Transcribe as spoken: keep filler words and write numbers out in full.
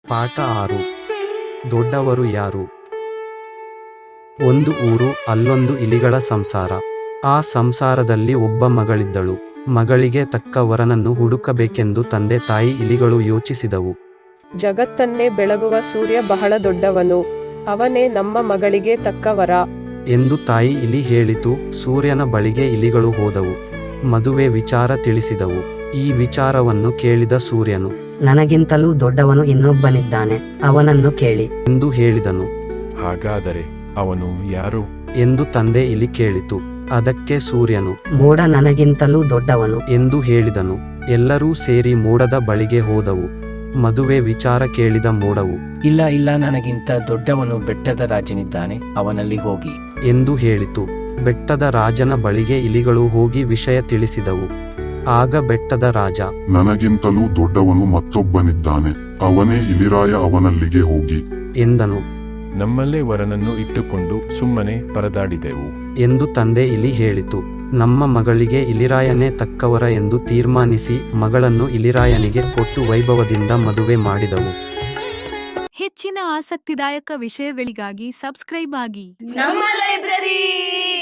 ಪಾಠ ಆರು. ದೊಡ್ಡವರು ಯಾರು? ಒಂದು ಊರು, ಅಲ್ಲೊಂದು ಇಲಿಗಳ ಸಂಸಾರ. ಆ ಸಂಸಾರದಲ್ಲಿ ಒಬ್ಬ ಮಗಳಿದ್ದಳು. ಮಗಳಿಗೆ ತಕ್ಕ ವರನನ್ನು ಹುಡುಕಬೇಕೆಂದು ತಂದೆ ತಾಯಿ ಇಲಿಗಳು ಯೋಚಿಸಿದವು. ಜಗತ್ತನ್ನೇ ಬೆಳಗುವ ಸೂರ್ಯ ಬಹಳ ದೊಡ್ಡವನು, ಅವನೇ ನಮ್ಮ ಮಗಳಿಗೆ ತಕ್ಕ ವರ ಎಂದು ತಾಯಿ ಇಲಿ ಹೇಳಿತು. ಸೂರ್ಯನ ಬಳಿಗೆ ಇಲಿಗಳು ಹೋದವು. ಮದುವೆ ವಿಚಾರ ತಿಳಿಸಿದವು. ಈ ವಿಚಾರವನ್ನು ಕೇಳಿದ ಸೂರ್ಯನು, ನನಗಿಂತಲೂ ದೊಡ್ಡವನು ಇನ್ನೊಬ್ಬನಿದ್ದಾನೆ, ಅವನನ್ನು ಕೇಳಿ ಎಂದು ಹೇಳಿದನು. ಹಾಗಾದರೆ ಅವನು ಯಾರು ಎಂದು ತಂದೆ ಇಲಿ ಕೇಳಿತು. ಅದಕ್ಕೆ ಸೂರ್ಯನು, ಮೋಡ ನನಗಿಂತಲೂ ದೊಡ್ಡವನು ಎಂದು ಹೇಳಿದನು. ಎಲ್ಲರೂ ಸೇರಿ ಮೋಡದ ಬಳಿಗೆ ಹೋದವು. ಮದುವೆ ವಿಚಾರ ಕೇಳಿದ ಮೋಡವು, ಇಲ್ಲ ಇಲ್ಲ ನನಗಿಂತ ದೊಡ್ಡವನು ಬೆಟ್ಟದ ರಾಜನಿದ್ದಾನೆ, ಅವನಲ್ಲಿ ಹೋಗಿ ಎಂದು ಹೇಳಿತು. ಬೆಟ್ಟದ ರಾಜನ ಬಳಿಗೆ ಇಲಿಗಳು ಹೋಗಿ ವಿಷಯ ತಿಳಿಸಿದವು. ಆಗ ಬೆಟ್ಟದ ರಾಜ, ನನಗಿಂತಲೂ ದೊಡ್ಡವನು ಮತ್ತೊಬ್ಬನಿದ್ದಾನೆ, ಅವನೇ ಇಲಿರಾಯ, ಅವನಲ್ಲಿಗೆ ಹೋಗಿ ಎಂದನು. ನಮ್ಮಲ್ಲೇ ವರನನ್ನು ಇಟ್ಟುಕೊಂಡು ಸುಮ್ಮನೆ ಪರದಾಡಿದೆವು ಎಂದು ತಂದೆ ಇಲಿ ಹೇಳಿತು. ನಮ್ಮ ಮಗಳಿಗೆ ಇಲಿರಾಯನೇ ತಕ್ಕವರ ಎಂದು ತೀರ್ಮಾನಿಸಿ ಮಗಳನ್ನು ಇಲಿರಾಯನಿಗೆ ಕೊಟ್ಟು ವೈಭವದಿಂದ ಮದುವೆ ಮಾಡಿದವು. ಹೆಚ್ಚಿನ ಆಸಕ್ತಿದಾಯಕ ವಿಷಯಗಳಿಗಾಗಿ ಸಬ್ಸ್ಕ್ರೈಬ್ ಆಗಿ ನಮ್ಮ ಲೈಬ್ರರಿ.